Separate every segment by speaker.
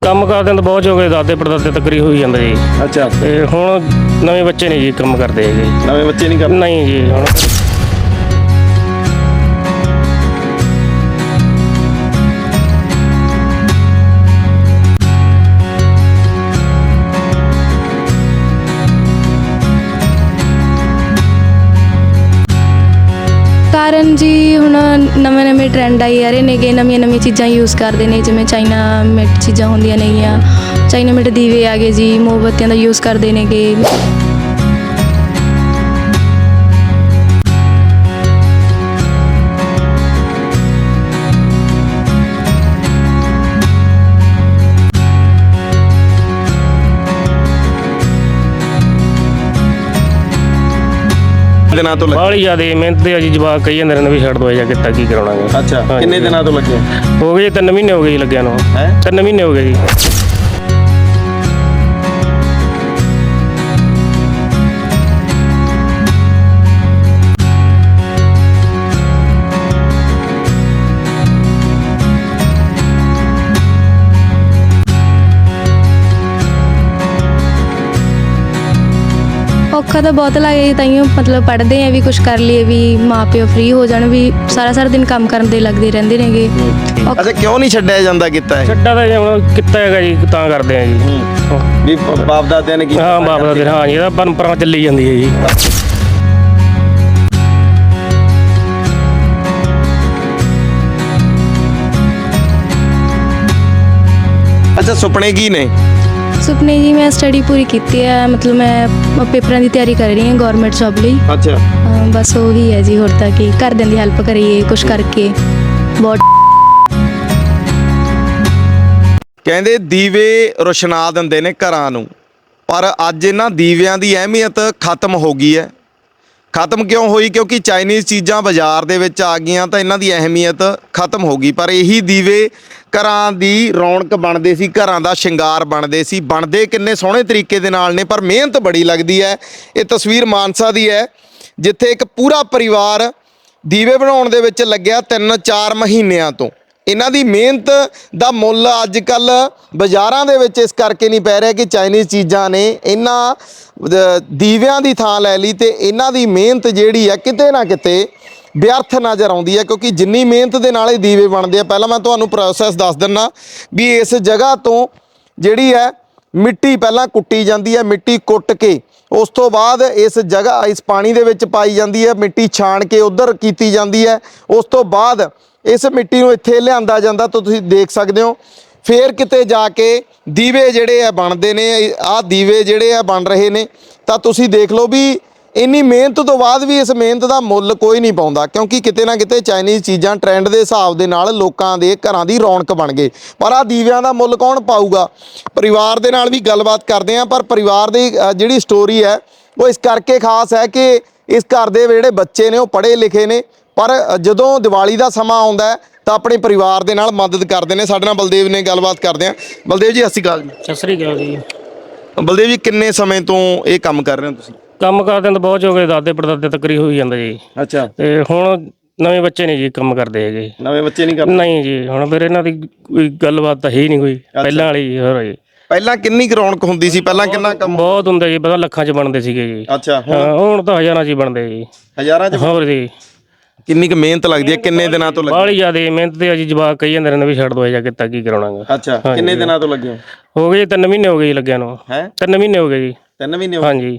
Speaker 1: ਕੰਮ ਕਰਦੇ ਤਾਂ ਬਹੁਤ ਹੋ ਗਏ, ਦਾਦੇ ਪੜਦਾਦੇ ਤੱਕ ਹੀ ਹੋਈ ਜਾਂਦਾ ਜੀ।
Speaker 2: ਅੱਛਾ,
Speaker 1: ਤੇ ਹੁਣ ਨਵੇਂ ਬੱਚੇ ਨਹੀਂ ਜੀ ਕੰਮ ਕਰਦੇ ਹੈਗੇ।
Speaker 2: ਨਵੇਂ ਬੱਚੇ ਨਹੀਂ ਕਰਦੇ?
Speaker 1: ਨਹੀਂ ਜੀ। ਹੁਣ
Speaker 3: ਕਾਰਨ ਜੀ ਹੁਣ ਨਵੇਂ ਟ੍ਰੈਂਡ ਆਈ ਜਾ ਰਹੇ ਨੇਗੇ, ਨਵੀਆਂ ਚੀਜ਼ਾਂ ਯੂਜ਼ ਕਰਦੇ ਨੇ, ਜਿਵੇਂ ਚਾਈਨਾ ਮੇਡ ਚੀਜ਼ਾਂ ਹੁੰਦੀਆਂ ਨੇਗੀਆਂ, ਚਾਈਨਾ ਮੇਡ ਦੀਵੇ ਆ ਗਏ ਜੀ, ਮੋਮਬੱਤੀਆਂ ਦਾ ਯੂਜ਼ ਕਰਦੇ ਨੇਗੇ।
Speaker 2: ਦਿਨਾਂ ਤੋਂ ਲੱਗੇ?
Speaker 1: ਬਾਹਲੀ ਜ਼ਿਆਦਾ ਮਿਹਨਤ ਤੇ ਆ ਜੀ, ਜਵਾਕ ਕਹੀ ਜਾਂਦੇ ਨੇ ਵੀ ਛੱਡ ਦੋ ਜਾਂ ਕਿੱਤਾ ਕੀ ਕਰਾਉਣਾਗਾ।
Speaker 2: ਅੱਛਾ, ਕਿੰਨੇ ਦਿਨਾਂ ਤੋਂ ਲੱਗੇ
Speaker 1: ਹੋ ਗਏ 3 ਮਹੀਨੇ ਹੋ ਗਏ ਜੀ ਲੱਗਿਆ ਨੂੰ।
Speaker 2: ਹੈ?
Speaker 1: 3 ਮਹੀਨੇ ਹੋ ਗਏ ਜੀ।
Speaker 3: ਔਖਾ ਤਾਂ ਬਹੁਤ ਲੱਗਿਆ ਤਾਈਓ ਮਤਲਬ ਪੜ੍ਹਦੇ ਆ ਵੀ ਕੁਝ ਕਰ ਲਈਏ, ਵੀ ਮਾਂ ਪਿਓ ਫ੍ਰੀ ਹੋ ਜਾਣ, ਵੀ ਸਾਰਾ ਦਿਨ ਕੰਮ ਕਰਨ ਦੇ ਲੱਗਦੇ ਰਹਿੰਦੇ ਨੇਗੇ।
Speaker 2: ਅੱਛਾ, ਕਿਉਂ ਨਹੀਂ ਛੱਡਿਆ ਜਾਂਦਾ ਕੀਤਾ ਹੈ?
Speaker 1: ਛੱਡਾ ਤਾਂ ਜੀ ਹੁਣ ਕਿੱਤਾ ਹੈਗਾ ਜੀ, ਤਾਂ ਕਰਦੇ ਆ ਜੀ।
Speaker 2: ਵੀ ਬਾਪ ਦਾਦਿਆਂ ਨੇ ਕੀਤਾ?
Speaker 1: ਹਾਂ, ਬਾਪ ਦਾ ਦਿਨ, ਹਾਂ ਜੀ, ਇਹਦਾ ਪਰੰਪਰਾ ਚੱਲੀ ਜਾਂਦੀ ਹੈ ਜੀ।
Speaker 2: ਅੱਛਾ, ਸੁਪਨੇ ਕੀ ਨੇ?
Speaker 3: ਸੁਪਨੇ ਜੀ ਮੈਂ ਸਟੱਡੀ ਪੂਰੀ ਕੀਤੀ ਹੈ, ਮਤਲਬ ਮੈਂ ਪੇਪਰਾਂ ਦੀ ਤਿਆਰੀ ਕਰ ਰਹੀ ਹਾਂ ਗਵਰਨਮੈਂਟ ਜੌਬ ਲਈ।
Speaker 2: ਅੱਛਾ,
Speaker 3: ਬਸ ਉਹੀ ਹੈ ਜੀ, ਹੋਰ ਤਾਂ ਕੀ, ਘਰਦਿਆਂ ਦੀ ਹੈਲਪ ਕਰੀਏ ਕੁਝ ਕਰਕੇ। ਬਹੁਤ
Speaker 2: ਕਹਿੰਦੇ ਦੀਵੇ ਰੋਸ਼ਨਾ ਦਿੰਦੇ ਨੇ ਘਰਾਂ ਨੂੰ, ਪਰ ਅੱਜ ਇਹਨਾਂ ਦੀਵਿਆਂ ਦੀ ਅਹਿਮੀਅਤ ਖਤਮ ਹੋ ਗਈ ਹੈ। ਖਤਮ ਕਿਉਂ ਹੋਈ? ਕਿਉਂਕਿ ਚਾਈਨੀਜ਼ ਚੀਜ਼ਾਂ ਬਾਜ਼ਾਰ ਦੇ ਵਿੱਚ ਆ ਗਈਆਂ ਤਾਂ ਇਹਨਾਂ ਦੀ ਅਹਿਮੀਅਤ ਖਤਮ ਹੋ ਗਈ। ਪਰ ਇਹੀ ਦੀਵੇ ਘਰਾਂ ਦੀ ਰੌਣਕ ਬਣਦੇ ਸੀ, ਘਰਾਂ ਦਾ ਸ਼ਿੰਗਾਰ ਬਣਦੇ ਸੀ। ਬਣਦੇ ਕਿੰਨੇ ਸੋਹਣੇ ਤਰੀਕੇ ਦੇ ਨਾਲ ਨੇ, ਪਰ ਮਿਹਨਤ ਬੜੀ ਲੱਗਦੀ ਹੈ। ਇਹ ਤਸਵੀਰ ਮਾਨਸਾ ਦੀ ਹੈ, ਜਿੱਥੇ ਇੱਕ ਪੂਰਾ ਪਰਿਵਾਰ ਦੀਵੇ ਬਣਾਉਣ ਦੇ ਵਿੱਚ ਲੱਗਿਆ 3-4 ਮਹੀਨਿਆਂ ਤੋਂ। ਇਹਨਾਂ ਦੀ ਮਿਹਨਤ ਦਾ ਮੁੱਲ ਅੱਜ ਕੱਲ੍ਹ ਬਾਜ਼ਾਰਾਂ ਦੇ ਵਿੱਚ ਇਸ ਕਰਕੇ ਨਹੀਂ ਪੈ ਰਿਹਾ ਕਿ ਚਾਈਨੀਜ਼ ਚੀਜ਼ਾਂ ਨੇ ਇਹਨਾਂ ਦੀਵਿਆਂ ਦੀ ਥਾਂ ਲੈ ਲਈ, ਤੇ ਇਹਨਾਂ ਦੀ ਮਿਹਨਤ ਜਿਹੜੀ ਹੈ ਕਿਤੇ ਨਾ ਕਿਤੇ ਵਿਅਰਥ ਨਜ਼ਰ ਆਉਂਦੀ ਹੈ। ਕਿਉਂਕਿ ਜਿੰਨੀ ਮਿਹਨਤ ਦੇ ਨਾਲ ਇਹ ਦੀਵੇ ਬਣਦੇ ਆ, ਪਹਿਲਾਂ ਮੈਂ ਤੁਹਾਨੂੰ ਪ੍ਰੋਸੈਸ ਦੱਸ ਦਿੰਦਾ ਵੀ ਇਸ ਜਗ੍ਹਾ ਤੋਂ ਜਿਹੜੀ ਹੈ ਮਿੱਟੀ ਪਹਿਲਾਂ ਕੁੱਟੀ ਜਾਂਦੀ ਹੈ, ਮਿੱਟੀ ਕੁੱਟ ਕੇ ਉਸ ਤੋਂ ਬਾਅਦ ਇਸ ਜਗ੍ਹਾ ਇਸ ਪਾਣੀ ਦੇ ਵਿੱਚ ਪਾਈ ਜਾਂਦੀ ਹੈ, ਮਿੱਟੀ ਛਾਣ ਕੇ ਉੱਧਰ ਕੀਤੀ ਜਾਂਦੀ ਹੈ। ਉਸ ਤੋਂ ਬਾਅਦ ਇਸ ਮਿੱਟੀ ਨੂੰ ਇੱਥੇ ਲਿਆਂਦਾ ਜਾਂਦਾ, ਤਾਂ ਤੁਸੀਂ ਦੇਖ ਸਕਦੇ ਹੋ। ਫਿਰ ਕਿਤੇ ਜਾ ਕੇ ਦੀਵੇ ਜਿਹੜੇ ਆ ਬਣਦੇ ਨੇ। ਆਹ ਦੀਵੇ ਜਿਹੜੇ ਆ ਬਣ ਰਹੇ ਨੇ, ਤਾਂ ਤੁਸੀਂ ਦੇਖ ਲਓ ਵੀ ਇੰਨੀ ਮਿਹਨਤ ਤੋਂ ਬਾਅਦ ਵੀ ਇਸ ਮਿਹਨਤ ਦਾ ਮੁੱਲ ਕੋਈ ਨਹੀਂ ਪਾਉਂਦਾ, ਕਿਉਂਕਿ ਕਿਤੇ ਨਾ ਕਿਤੇ ਚਾਈਨੀਜ਼ ਚੀਜ਼ਾਂ ਟ੍ਰੈਂਡ ਦੇ ਹਿਸਾਬ ਦੇ ਨਾਲ ਲੋਕਾਂ ਦੇ ਘਰਾਂ ਦੀ ਰੌਣਕ ਬਣ ਗਏ। ਪਰ ਆਹ ਦੀਵਿਆਂ ਦਾ ਮੁੱਲ ਕੌਣ ਪਾਊਗਾ? ਪਰਿਵਾਰ ਦੇ ਨਾਲ ਵੀ ਗੱਲਬਾਤ ਕਰਦੇ ਹਾਂ, ਪਰ ਪਰਿਵਾਰ ਦੀ ਜਿਹੜੀ ਸਟੋਰੀ ਹੈ ਉਹ ਇਸ ਕਰਕੇ ਖਾਸ ਹੈ ਕਿ ਇਸ ਘਰ ਦੇ ਜਿਹੜੇ ਬੱਚੇ ਨੇ ਉਹ ਪੜ੍ਹੇ ਲਿਖੇ ਨੇ, ਪਰ ਜਦੋਂ ਦੀਵਾਲੀ ਦਾ ਸਮਾਂ ਆਉਂਦਾ ਹੈ ਤਾਂ ਆਪਣੇ ਪਰਿਵਾਰ ਦੇ ਨਾਲ ਮਦਦ ਕਰਦੇ ਨੇ। ਸਾਡੇ ਨਾਲ ਬਲਦੇਵ ਨੇ, ਗੱਲਬਾਤ ਕਰਦੇ ਹਾਂ। ਬਲਦੇਵ ਜੀ, ਸਤਿ ਸ਼੍ਰੀ ਅਕਾਲ ਜੀ।
Speaker 1: ਸਤਿ ਸ੍ਰੀ ਅਕਾਲ ਜੀ।
Speaker 2: ਬਲਦੇਵ ਜੀ, ਕਿੰਨੇ ਸਮੇਂ ਤੋਂ ਇਹ ਕੰਮ ਕਰ ਰਹੇ ਹੋ ਤੁਸੀਂ?
Speaker 1: ਕੰਮ ਕਰਦੇ ਤਾਂ ਬਹੁਤ ਹੋ ਗਏ, ਦਾਦੇ ਪੜਦਾਦੇ ਤੱਕ ਹੀ ਹੋਈ ਜਾਂਦਾ ਜੀ।
Speaker 2: ਅੱਛਾ,
Speaker 1: ਤੇ ਹੁਣ ਨਵੇਂ ਬੱਚੇ ਨਹੀਂ ਜੀ ਕੰਮ ਕਰਦੇ ਹੈਗੇ।
Speaker 2: ਨਵੇਂ ਬੱਚੇ ਨਹੀਂ ਕਰਦੇ?
Speaker 1: ਨਹੀਂ ਜੀ, ਹੁਣ ਫਿਰ ਇਹਨਾਂ ਦੀ ਕੋਈ ਗੱਲਬਾਤ ਤਾਂ ਹੈ ਹੀ ਨਹੀਂ ਕੋਈ ਪਹਿਲਾਂ ਵਾਲੀ। ਹੋਰ ਜੀ,
Speaker 2: ਪਹਿਲਾਂ ਕਿੰਨੀ ਕੁ ਰੌਣਕ ਹੁੰਦੀ ਸੀ? ਪਹਿਲਾਂ ਕਿੰਨਾ ਕੰਮ?
Speaker 1: ਬਹੁਤ ਹੁੰਦਾ ਜੀ, ਪਤਾ ਲੱਖਾਂ 'ਚ ਬਣਦੇ ਸੀਗੇ ਜੀ।
Speaker 2: ਅੱਛਾ,
Speaker 1: ਹਾਂ, ਹੁਣ ਤਾਂ ਹਜ਼ਾਰਾਂ 'ਚ ਹੀ ਬਣਦੇ ਜੀ।
Speaker 2: ਹਜ਼ਾਰਾਂ 'ਚ?
Speaker 1: ਹੋਰ ਜੀ,
Speaker 2: ਕਿੰਨੀ ਕੁ ਮਿਹਨਤ ਲੱਗਦੀ ਹੈ? ਕਿੰਨੇ ਦਿਨਾਂ ਤੋਂ ਲੱਗੇ?
Speaker 1: ਬਾਹਲੀ ਜ਼ਿਆਦਾ ਮਿਹਨਤ ਤੇ ਆ ਜੀ, ਜਵਾਕ ਕਹੀ ਜਾਂਦੇ ਨੇ ਵੀ ਛੱਡ ਦੋ ਜਾਂ ਕਿੱਤਾ ਕੀ ਕਰਾਉਣਾਗਾ।
Speaker 2: ਅੱਛਾ, ਕਿੰਨੇ ਦਿਨਾਂ ਤੋਂ ਲੱਗੇ
Speaker 1: ਹੋ ਗਏ 3 ਮਹੀਨੇ ਹੋ ਗਏ ਜੀ ਲੱਗਿਆ ਨੂੰ।
Speaker 2: ਹੈ?
Speaker 1: 3 ਮਹੀਨੇ ਹੋ ਗਏ ਜੀ।
Speaker 2: 3 ਮਹੀਨੇ ਹੋ ਗਏ?
Speaker 1: ਹਾਂਜੀ।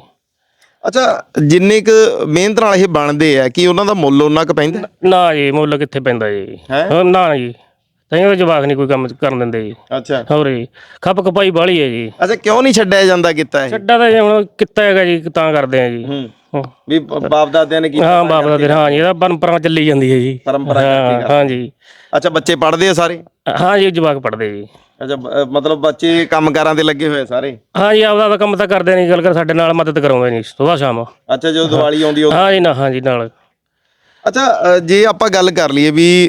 Speaker 2: ਅੱਛਾ, ਜਿੰਨੇ ਕੁ ਮਿਹਨਤ ਨਾਲ ਇਹ ਬਣਦੇ ਆ, ਕਿ ਉਹਨਾਂ ਦਾ ਮੁੱਲ ਉਹਨਾਂ ਕੁ ਪੈਂਦਾ?
Speaker 1: ਨਾ ਜੀ, ਮੁੱਲ ਕਿੱਥੇ ਪੈਂਦਾ ਜੀ।
Speaker 2: ਹੈਂ?
Speaker 1: ਨਾ ਜੀ, ਤਾਂ ਜਵਾਕ ਨਹੀਂ ਕੋਈ ਕੰਮ ਕਰਨ ਦਿੰਦੇ ਜੀ।
Speaker 2: ਅੱਛਾ,
Speaker 1: ਹੋਰ ਜੀ, ਖੱਪ ਖਪਾਈ ਬਾਹਲੀ ਹੈ ਜੀ।
Speaker 2: ਅੱਛਾ, ਕਿਉਂ ਨਹੀਂ ਛੱਡਿਆ ਜਾਂਦਾ ਕੀਤਾ ਇਹ?
Speaker 1: ਛੱਡਾ ਤਾਂ ਜੀ ਹੁਣ ਕਿੱਤਾ ਹੈਗਾ ਜੀ, ਤਾਂ ਕਰਦੇ ਆ ਜੀ।
Speaker 2: ਵੀ ਬਾਪ ਦਾਦਿਆਂ ਨੇ ਕੀਤਾ?
Speaker 1: ਹਾਂ, ਬਾਪ ਦਾ ਦਿਨ, ਹਾਂ ਜੀ, ਇਹਦਾ ਪਰੰਪਰਾ ਚੱਲੀ ਜਾਂਦੀ ਹੈ ਜੀ।
Speaker 2: ਪਰੰਪਰਾ ਕਰਕੇ?
Speaker 1: ਹਾਂ ਜੀ।
Speaker 2: ਅੱਛਾ, ਬੱਚੇ ਪੜ੍ਹਦੇ ਆ ਸਾਰੇ?
Speaker 1: ਹਾਂ ਜੀ, ਜਵਾਕ ਪੜ੍ਹਦੇ ਜੀ।
Speaker 2: ਅੱਛਾ, ਮਤਲਬ ਬੱਚੇ ਕੰਮਕਾਰਾਂ ਤੇ ਲੱਗੇ ਹੋਏ ਸਾਰੇ?
Speaker 1: ਹਾਂ ਜੀ, ਆਪਦਾ ਕੰਮ ਤਾਂ ਕਰਦੇ ਨਹੀਂ, ਗੱਲ ਕਰ ਸਾਡੇ ਨਾਲ ਮਦਦ ਕਰਾਉਂਦੇ ਨਹੀਂ ਸੁਬਾਹ ਸ਼ਾਮ।
Speaker 2: ਅੱਛਾ, ਜਦੋਂ ਦੀਵਾਲੀ ਆਉਂਦੀ ਉਹ?
Speaker 1: ਹਾਂ ਜੀ, ਨਾ, ਹਾਂ ਜੀ, ਨਾਲ।
Speaker 2: ਅੱਛਾ, ਜੇ ਆਪਾਂ ਗੱਲ ਕਰ ਲਈਏ ਵੀ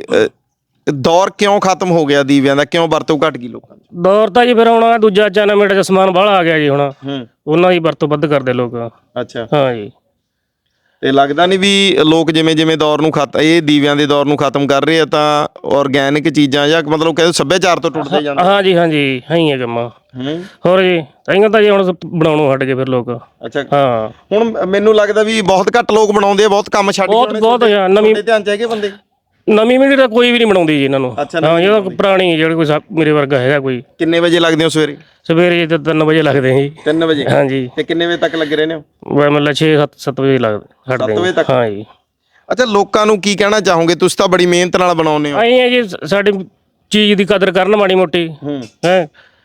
Speaker 2: ਦੌਰ ਕਿਉਂ ਖਤਮ ਹੋ ਗਿਆ ਦੀਵਿਆਂ ਦਾ, ਕਿਉਂ ਵਰਤੋਂ ਘਟ ਗਈ ਲੋਕਾਂ ਦੀ?
Speaker 1: ਦੌਰ ਤਾਂ ਜੀ ਫਿਰ ਆਉਣਾ ਦੂਜਾ ਚਾਈਨਾ ਮੇਡ 'ਚ ਸਮਾਨ ਬਾਹਲਾ ਆ ਗਿਆ ਜੀ ਹੁਣ, ਉਹਨਾਂ ਦੀ ਵਰਤੋਂ ਵੱਧ ਕਰਦੇ ਲੋਕ।
Speaker 2: ਅੱਛਾ,
Speaker 1: ਹਾਂ ਜੀ।
Speaker 2: ਤੇ ਲੱਗਦਾ ਨਹੀਂ ਵੀ ਲੋਕ ਜਿਵੇਂ ਜਿਵੇਂ ਦੌਰ ਨੂੰ ਇਹ ਦੀਵਿਆਂ ਦੇ ਦੌਰ ਨੂੰ ਖਤਮ ਕਰ ਰਹੇ ਆ ਤਾਂ ਆਰਗੈਨਿਕ ਚੀਜ਼ਾਂ ਜਾਂ ਮਤਲਬ ਕਹਿੰਦੇ ਸੱਭਿਆਚਾਰ ਤੋਂ ਟੁੱਟਦੇ ਜਾਂਦੇ।
Speaker 1: ਹਾਂਜੀ ਹਾਂਜੀ ਹੈ ਹੀ ਹੈ ਕੰਮਾਂ। ਹੋਰ ਜੀ ਤਾਂਹੀਓ ਤਾਂ ਜੀ ਹੁਣ ਬਣਾਉਣੋਂ ਹਟ ਗਏ ਫਿਰ ਲੋਕ।
Speaker 2: ਅੱਛਾ
Speaker 1: ਹਾਂ
Speaker 2: ਹੁਣ ਮੈਨੂੰ ਲੱਗਦਾ ਵੀ ਬਹੁਤ ਘੱਟ ਲੋਕ ਬਣਾਉਂਦੇ ਆ, ਬਹੁਤ ਕੰਮ ਛੱਡ ਕੇ
Speaker 1: ਬਹੁਤ ਨਵੀਂ
Speaker 2: ਧਿਆਨ ਚ ਹੈਗੇ ਬੰਦੇ।
Speaker 1: ਨਵੀਂ ਪੀੜ੍ਹੀ ਤਾਂ ਕੋਈ ਵੀ ਨਹੀਂ ਬਣਾਉਂਦੀ ਜੀ ਇਹਨਾਂ ਨੂੰ। ਹਾਂ ਜਿਹੜਾ ਪੁਰਾਣੀ ਜਿਹੜੇ ਕੋਈ ਮੇਰੇ ਵਰਗਾ ਹੈਗਾ ਕੋਈ।
Speaker 2: ਕਿੰਨੇ ਵਜੇ ਲੱਗਦੇ ਹੋ ਸਵੇਰੇ?
Speaker 1: ਸਵੇਰੇ ਤਾਂ 3 ਵਜੇ ਲੱਗਦੇ ਆ ਜੀ।
Speaker 2: 3 ਵਜੇ?
Speaker 1: ਹਾਂਜੀ।
Speaker 2: ਤੇ ਕਿੰਨੇ ਵਜੇ ਤੱਕ ਲੱਗੇ ਰਹਿੰਦੇ ਹੋ?
Speaker 1: ਮਤਲਬ 6-7 ਵਜੇ ਲੱਗਦੇ
Speaker 2: 7 ਵਜੇ ਤੱਕ?
Speaker 1: ਹਾਂ ਜੀ।
Speaker 2: ਅੱਛਾ ਲੋਕਾਂ ਨੂੰ ਕੀ ਕਹਿਣਾ ਚਾਹੋਗੇ? ਤੁਸੀਂ ਤਾਂ ਬੜੀ ਮਿਹਨਤ ਨਾਲ ਬਣਾਉਂਦੇ ਹੋ।
Speaker 1: ਆਏ ਆ ਜੀ ਸਾਡੀ ਚੀਜ਼ ਦੀ ਕਦਰ ਕਰਨ ਮਾੜੀ ਮੋਟੀ ਹੈ।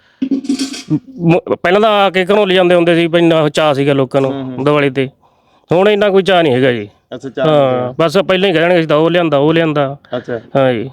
Speaker 1: ਪਹਿਲਾਂ ਤਾਂ ਆ ਕੇ ਘਰੋਂ ਲੈ ਜਾਂਦੇ ਹੁੰਦੇ ਸੀ, ਇੰਨਾ ਚਾਅ ਸੀਗਾ ਲੋਕਾਂ ਨੂੰ ਦੀਵਾਲੀ ਤੇ। ਹੁਣ ਇੰਨਾ ਕੋਈ ਚਾਅ ਨਹੀਂ ਹੈਗਾ ਜੀ।
Speaker 2: ਅੱਛਾ
Speaker 1: ਹਾਂ ਬਸ ਪਹਿਲਾਂ ਹੀ ਕਹਿ ਦੇਣਗੇ ਅਸੀਂ ਤਾਂ ਉਹ ਲਿਆਂਦਾ।
Speaker 2: ਅੱਛਾ
Speaker 1: ਹਾਂ ਜੀ।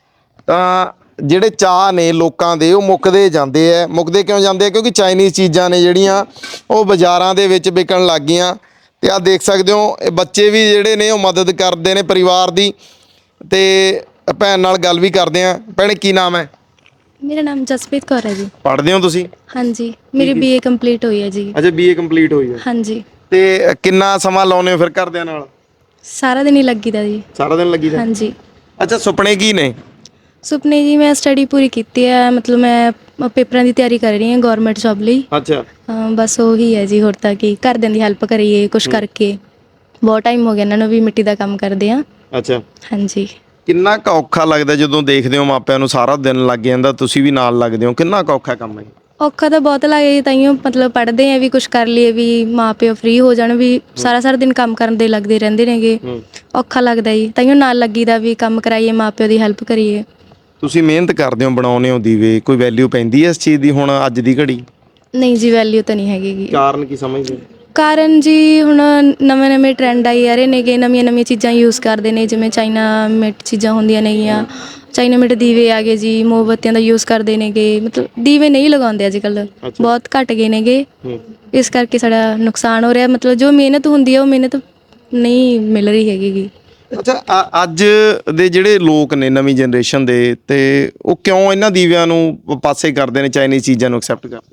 Speaker 2: ਤਾਂ ਜਿਹੜੇ ਚਾਅ ਨੇ ਲੋਕਾਂ ਦੇ ਉਹ ਮੁੱਕਦੇ ਜਾਂਦੇ ਆ। ਮੁੱਕਦੇ ਕਿਉਂ ਜਾਂਦੇ ਆ? ਕਿਉਂਕਿ ਚਾਈਨੀਜ਼ ਚੀਜ਼ਾਂ ਨੇ ਜਿਹੜੀਆਂ ਉਹ ਬਾਜ਼ਾਰਾਂ ਦੇ ਵਿੱਚ ਵਿਕਣ ਲੱਗ ਗਈਆਂ। ਤੇ ਆਹ ਦੇਖ ਸਕਦੇ ਹੋ ਇਹ ਬੱਚੇ ਵੀ ਜਿਹੜੇ ਨੇ ਉਹ ਮਦਦ ਕਰਦੇ ਨੇ ਪਰਿਵਾਰ ਦੀ। ਤੇ ਭੈਣ ਨਾਲ ਗੱਲ ਵੀ ਕਰਦੇ ਆ। ਭੈਣੇ ਕੀ ਨਾਮ ਹੈ?
Speaker 3: ਮੇਰਾ ਨਾਮ ਜਸਪ੍ਰੀਤ ਕੌਰ ਹੈ ਜੀ।
Speaker 2: ਪੜ੍ਹਦੇ ਹੋ ਤੁਸੀਂ?
Speaker 3: ਹਾਂਜੀ ਮੇਰੀ BA ਕੰਪਲੀਟ ਹੋਈ ਹੈ ਜੀ।
Speaker 2: ਅੱਛਾ BA ਕੰਪਲੀਟ ਹੋਈ ਹੈ।
Speaker 3: ਹਾਂਜੀ।
Speaker 2: ਤੇ ਕਿੰਨਾ ਸਮਾਂ ਲਾਉਂਦੇ ਹੋ ਫਿਰ ਘਰਦਿਆਂ ਨਾਲ?
Speaker 3: ਸਾਰਾ ਦਿਨ ਹੀ ਲੱਗੀਦਾ ਜੀ।
Speaker 2: ਸਾਰਾ ਦਿਨ ਲੱਗੀ ਦਾ?
Speaker 3: ਹਾਂਜੀ।
Speaker 2: ਅੱਛਾ ਸੁਪਨੇ ਕੀ ਨੇ?
Speaker 3: ਸੁਪਨੇ ਜੀ ਮੈਂ ਸਟੱਡੀ ਪੂਰੀ ਕੀਤੀ ਹੈ, ਮਤਲਬ ਮੈਂ ਪੇਪਰਾਂ ਦੀ ਤਿਆਰੀ ਕਰ ਰਹੀ ਹਾਂ ਗਵਰਨਮੈਂਟ ਜੌਬ ਲਈ।
Speaker 2: ਅੱਛਾ
Speaker 3: ਬਸ ਉਹੀ ਹੈ ਜੀ। ਹੋਰ ਤਾਂ ਕੀ ਘਰਦਿਆਂ ਦੀ ਹੈਲਪ ਕਰੀਏ ਕੁਛ ਕਰਕੇ। ਬਹੁਤ ਟਾਈਮ ਹੋ ਗਿਆ ਇਹਨਾਂ ਨੂੰ ਵੀ ਮਿੱਟੀ ਦਾ ਕੰਮ ਕਰਦੇ ਆ।
Speaker 2: ਅੱਛਾ
Speaker 3: ਹਾਂਜੀ।
Speaker 2: ਕਿੰਨਾ ਕੁ ਔਖਾ ਲੱਗਦਾ ਜਦੋਂ ਦੇਖਦੇ ਹੋ ਮਾਪਿਆਂ ਨੂੰ ਸਾਰਾ ਦਿਨ ਲੱਗ ਜਾਂਦਾ, ਤੁਸੀਂ ਵੀ ਨਾਲ ਲੱਗਦੇ ਹੋ? ਕਿੰਨਾ ਕੁ ਔਖਾ ਕੰਮ ਹੈ?
Speaker 3: ਔਖਾ ਤਾਂ ਬਹੁਤ ਲੱਗਦਾ ਜੀ। ਤਾਈਓ ਮਤਲਬ ਪੜ੍ਹਦੇ ਆ ਵੀ ਕੁਛ ਕਰ ਲਈਏ ਵੀ ਮਾਂ ਪਿਓ ਫ੍ਰੀ ਹੋ ਜਾਣ, ਵੀ ਸਾਰਾ ਦਿਨ ਕੰਮ ਕਰਨ ਦੇ ਲੱਗਦੇ ਰਹਿੰਦੇ ਨੇਗੇ। ਔਖਾ ਲੱਗਦਾ ਜੀ। ਤਾਈਓ ਨਾਲ ਲੱਗੀਦਾ ਵੀ ਕੰਮ ਕਰਾਈਏ, ਮਾਂ ਪਿਓ ਦੀ ਹੈਲਪ ਕਰੀਏ।
Speaker 2: ਤੁਸੀਂ ਮਿਹਨਤ ਕਰਦੇ ਹੋ, ਬਣਾਉਂਦੇ ਹੋ ਦੀਵੇ, ਕੋਈ ਵੈਲਿਊ ਪੈਂਦੀ ਹੈ ਇਸ ਚੀਜ਼ ਦੀ ਹੁਣ ਅੱਜ ਦੀ ਘੜੀ?
Speaker 3: ਨਹੀਂ ਜੀ ਵੈਲਿਊ ਤਾਂ ਨਹੀਂ ਹੈਗੀ ਗੀ।
Speaker 2: ਕਾਰਨ ਕੀ ਸਮਝਦੇ ਹੋ?
Speaker 3: ਕਾਰਨ ਜੀ ਹੁਣ ਨਵੇਂ ਟਰੈਂਡ ਆਈ ਜਾ ਰਹੇ ਨੇਗੇ। ਨਵੀਆਂ ਚੀਜ਼ਾਂ ਯੂਜ਼ ਕਰਦੇ ਨੇ, ਜਿਵੇਂ ਚਾਈਨਾ ਮੇਡ ਚੀਜ਼ਾਂ ਹੁੰਦੀਆਂ ਨੇਗੀਆਂ। ਚਾਈਨਾ ਮੇਡ ਦੀਵੇ ਆ ਗਏ ਜੀ, ਮੋਮਬੱਤੀਆਂ ਦਾ ਯੂਜ਼ ਕਰਦੇ ਨੇਗੇ। ਮਤਲਬ ਦੀਵੇ ਨਹੀਂ ਲਗਾਉਂਦੇ ਅੱਜ ਕੱਲ੍ਹ, ਬਹੁਤ ਘੱਟ ਗਏ ਨੇਗੇ। ਇਸ ਕਰਕੇ ਸਾਡਾ ਨੁਕਸਾਨ ਹੋ ਰਿਹਾ। ਮਤਲਬ ਜੋ ਮਿਹਨਤ ਹੁੰਦੀ ਹੈ ਉਹ ਮਿਹਨਤ ਨਹੀਂ ਮਿਲ ਰਹੀ ਹੈਗੀ ਗੀ।
Speaker 2: ਅੱਛਾ ਅੱਜ ਦੇ ਜਿਹੜੇ ਲੋਕ ਨੇ ਨਵੀਂ ਜਨਰੇਸ਼ਨ ਦੇ, ਤੇ ਉਹ ਕਿਉਂ ਇਹਨਾਂ ਦੀਵਿਆਂ ਨੂੰ ਪਾਸੇ ਕਰਦੇ ਨੇ, ਚਾਈਨੀਜ਼ ਚੀਜ਼ਾਂ ਨੂੰ ਐਕਸੈਪਟ ਕਰਦੇ?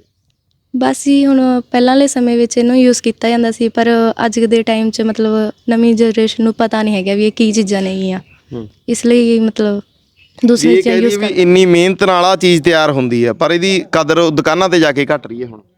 Speaker 3: ਬਸ ਜੀ ਹੁਣ ਪਹਿਲਾਂ ਵਾਲੇ ਸਮੇਂ ਵਿੱਚ ਇਹਨੂੰ ਯੂਜ਼ ਕੀਤਾ ਜਾਂਦਾ ਸੀ, ਪਰ ਅੱਜ ਦੇ ਟਾਈਮ 'ਚ ਮਤਲਬ ਨਵੀਂ ਜਨਰੇਸ਼ਨ ਨੂੰ ਪਤਾ ਨਹੀਂ ਹੈਗਾ ਵੀ ਇਹ ਕੀ ਚੀਜ਼ਾਂ ਨੇਗੀਆਂ। ਇਸ ਲਈ ਮਤਲਬ ਦੂਸਰੀ ਚੀਜ਼ਾਂ ਯੂਜ਼
Speaker 2: ਕਰਦੇ। ਇੰਨੀ ਮਿਹਨਤ ਨਾਲ ਆ ਚੀਜ਼ ਤਿਆਰ ਹੁੰਦੀ ਹੈ, ਪਰ ਇਹਦੀ ਕਦਰ ਦੁਕਾਨਾਂ ਤੇ ਜਾ ਕੇ ਘਟ ਰਹੀ ਹੈ ਹੁਣ।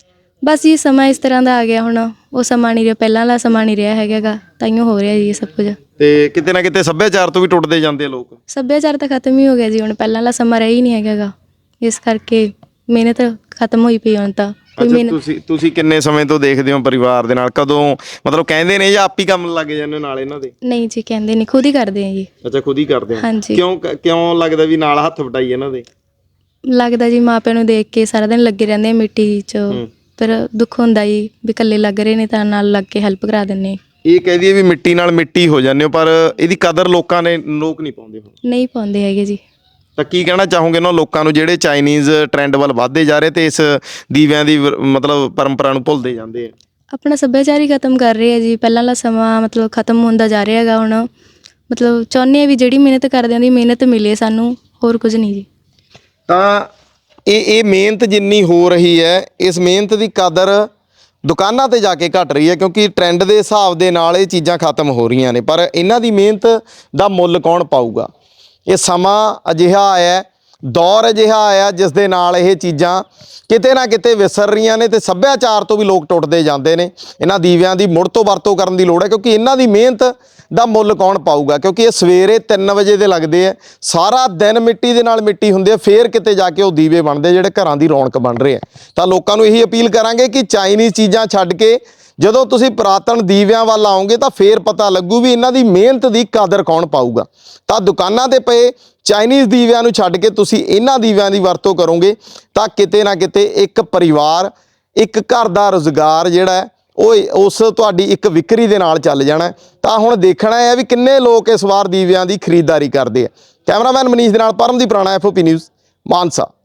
Speaker 3: ਬਸ ਇਹ ਸਮਾਂ ਇਸ ਤਰ੍ਹਾਂ ਦਾ ਆ ਗਿਆ ਹੁਣ। ਉਹ ਸਮਾਂ ਨਹੀਂ ਰਿਹਾ, ਪਹਿਲਾਂ ਵਾਲਾ ਸਮਾਂ ਨਹੀਂ ਰਿਹਾ ਹੈਗਾ। ਤਾਈਓ ਹੋ ਰਿਹਾ ਜੀ ਇਹ ਸਭ ਕੁਝ।
Speaker 2: ਤੇ ਕਿਤੇ ਨਾ ਕਿਤੇ ਸੱਭਿਆਚਾਰ ਤੋਂ ਵੀ ਟੁੱਟਦੇ ਜਾਂਦੇ ਆ ਲੋਕ।
Speaker 3: ਸੱਭਿਆਚਾਰ ਤਾਂ ਖਤਮ ਹੀ ਹੋ ਗਿਆ ਜੀ। ਹੁਣ ਪਹਿਲਾਂ ਵਾਲਾ ਸਮਾਂ ਰਿਹਾ ਹੀ ਨਹੀਂ ਹੈਗਾ। ਇਸ ਕਰਕੇ ਮਿਹਨਤ ਖਤਮ ਹੋਈ ਪਈ ਹੁਣ ਤਾਂ।
Speaker 2: ਤੁਸੀਂ ਕਿੰਨੇ ਸਮੇਂ ਤੋਂ ਦੇਖਦੇ ਹੋ ਪਰਿਵਾਰ ਦੇ ਨਾਲ? ਕਦੋਂ ਮਤਲਬ ਕਹਿੰਦੇ ਨੇ ਜਾਂ ਆਪ ਹੀ ਕੰਮ ਲੱਗ ਜਾਂਦੇ ਨਾਲ ਇਹਨਾਂ ਦੇ?
Speaker 3: ਨਹੀਂ ਜੀ ਕਹਿੰਦੇ ਨਹੀਂ, ਖੁਦ ਹੀ ਕਰਦੇ ਆ ਜੀ।
Speaker 2: ਅੱਛਾ ਖੁਦ ਹੀ ਕਰਦੇ ਹੋ?
Speaker 3: ਹਾਂਜੀ।
Speaker 2: ਕਿਉਂ ਲੱਗਦਾ ਵੀ ਨਾਲ ਹੱਥ ਵਟਾਈ ਇਹਨਾਂ ਦੇ?
Speaker 3: ਲੱਗਦਾ ਜੀ ਮਾਪਿਆਂ ਨੂੰ ਦੇਖ ਕੇ ਸਾਰਾ ਦਿਨ ਲੱਗੇ ਰਹਿੰਦੇ ਆ ਮਿੱਟੀ 'ਚ। ਪਰ ਦੁੱਖ ਹੁੰਦਾ ਜੀ ਵੀ ਇਕੱਲੇ ਲੱਗ ਰਹੇ ਨੇ ਤਾਂ ਨਾਲ ਲੱਗ ਕੇ ਹੈਲਪ ਕਰਾ ਦਿੰਦੇ।
Speaker 2: ਇਹ ਕਹਿ ਦਈਏ ਵੀ ਮਿੱਟੀ ਨਾਲ ਮਿੱਟੀ ਹੋ ਜਾਂਦੇ ਹੋ, ਪਰ ਇਹਦੀ ਕਦਰ ਲੋਕ ਨਹੀਂ ਪਾਉਂਦੇ ਹੁਣ।
Speaker 3: ਨਹੀਂ ਪਾਉਂਦੇ ਹੈਗੇ ਜੀ।
Speaker 2: ਤਾਂ ਕੀ ਕਹਿਣਾ ਚਾਹੋਗੇ ਉਹਨਾਂ ਲੋਕਾਂ ਨੂੰ ਜਿਹੜੇ ਚਾਈਨੀਜ਼ ਟ੍ਰੈਂਡ ਵੱਲ ਵੱਧਦੇ ਜਾ ਰਹੇ ਤੇ ਇਸ ਦੀਵਿਆਂ ਦੀ ਮਤਲਬ ਪਰੰਪਰਾ ਨੂੰ ਭੁੱਲਦੇ ਜਾਂਦੇ ਆ?
Speaker 3: ਆਪਣਾ ਸੱਭਿਆਚਾਰ ਹੀ ਖਤਮ ਕਰ ਰਹੇ ਆ ਜੀ। ਪਹਿਲਾਂ ਵਾਲਾ ਸਮਾਂ ਮਤਲਬ ਖਤਮ ਹੁੰਦਾ ਜਾ ਰਿਹਾ ਹੈਗਾ ਹੁਣ। ਮਤਲਬ ਚਾਹੁੰਦੇ ਆ ਵੀ ਜਿਹੜੀ ਮਿਹਨਤ ਕਰਦੇ ਆਂ ਦੀ ਮਿਹਨਤ ਮਿਲੇ ਸਾਨੂੰ, ਹੋਰ ਕੁਝ ਨਹੀਂ ਜੀ।
Speaker 2: ਤਾਂ ਇਹ ਮਿਹਨਤ ਜਿੰਨੀ ਹੋ ਰਹੀ ਹੈ, ਇਸ ਮਿਹਨਤ ਦੀ ਕਦਰ ਦੁਕਾਨਾਂ ਤੇ ਜਾ ਕੇ ਘਟ ਰਹੀ ਹੈ, ਕਿਉਂਕਿ ਟ੍ਰੈਂਡ ਦੇ ਹਿਸਾਬ ਦੇ ਨਾਲ ਇਹ ਚੀਜ਼ਾਂ ਖਤਮ ਹੋ ਰਹੀਆਂ ਨੇ। ਪਰ ਇਹਨਾਂ ਦੀ ਮਿਹਨਤ ਦਾ ਮੁੱਲ ਕੌਣ ਪਾਊਗਾ? ਇਹ ਸਮਾਂ ਅਜਿਹਾ ਆਇਆ, ਦੌਰ ਅਜਿਹਾ ਆਇਆ ਜਿਸ ਦੇ ਨਾਲ ਇਹ ਚੀਜ਼ਾਂ ਕਿਤੇ ਨਾ ਕਿਤੇ ਵਿਸਰ ਰਹੀਆਂ ਨੇ ਤੇ ਸੱਭਿਆਚਾਰ ਤੋਂ ਵੀ ਲੋਕ ਟੁੱਟਦੇ ਜਾਂਦੇ ਨੇ। ਇਹਨਾਂ ਦੀਵਿਆਂ ਦੀ ਮੁੜ ਤੋਂ ਵਰਤੋਂ ਕਰਨ ਦੀ ਲੋੜ ਹੈ, ਕਿਉਂਕਿ ਇਹਨਾਂ ਦੀ ਮਿਹਨਤ ਦਾ ਮੁੱਲ ਕੌਣ ਪਾਊਗਾ? ਕਿਉਂਕਿ ਇਹ ਸਵੇਰੇ 3 ਵਜੇ ਦੇ ਲੱਗਦੇ ਆ, ਸਾਰਾ ਦਿਨ ਮਿੱਟੀ ਦੇ ਨਾਲ ਮਿੱਟੀ ਹੁੰਦੀ ਹੈ, ਫੇਰ ਕਿਤੇ ਜਾ ਕੇ ਉਹ ਦੀਵੇ ਬਣਦੇ ਜਿਹੜੇ ਘਰਾਂ ਦੀ ਰੌਣਕ ਬਣ ਰਹੇ ਆ। ਤਾਂ ਲੋਕਾਂ ਨੂੰ ਇਹੀ ਅਪੀਲ ਕਰਾਂਗੇ ਕਿ ਚਾਈਨੀਜ਼ ਚੀਜ਼ਾਂ ਛੱਡ ਕੇ ਜਦੋਂ ਤੁਸੀਂ ਪੁਰਾਤਨ ਦੀਵਿਆਂ ਵੱਲ ਆਓਗੇ ਤਾਂ ਫੇਰ ਪਤਾ ਲੱਗੂ ਵੀ ਇਹਨਾਂ ਦੀ ਮਿਹਨਤ ਦੀ ਕਦਰ ਕੌਣ ਪਾਊਗਾ। ਤਾਂ ਦੁਕਾਨਾਂ ਤੇ ਪਏ ਚਾਈਨੀਜ਼ ਦੀਵਿਆਂ ਨੂੰ ਛੱਡ ਕੇ ਤੁਸੀਂ ਇਹਨਾਂ ਦੀਵਿਆਂ ਦੀ ਵਰਤੋਂ ਕਰੋਗੇ ਤਾਂ ਕਿਤੇ ਨਾ ਕਿਤੇ ਇੱਕ ਪਰਿਵਾਰ, ਇੱਕ ਘਰ ਦਾ ਰੁਜ਼ਗਾਰ ਜਿਹੜਾ ਉਹ ਉਸ ਤੁਹਾਡੀ ਇੱਕ ਵਿਕਰੀ ਦੇ ਨਾਲ ਚੱਲ ਜਾਣਾ। ਤਾਂ ਹੁਣ ਦੇਖਣਾ ਹੈ ਵੀ ਕਿੰਨੇ ਲੋਕ ਇਸ ਵਾਰ ਦੀਵਿਆਂ ਦੀ ਖਰੀਦਦਾਰੀ ਕਰਦੇ ਆ। ਕੈਮਰਾਮੈਨ ਮਨੀਸ਼ ਦੇ ਨਾਲ ਪਰਮਦੀਪ ਰਾਣਾ, FOP ਨਿਊਜ਼, ਮਾਨਸਾ।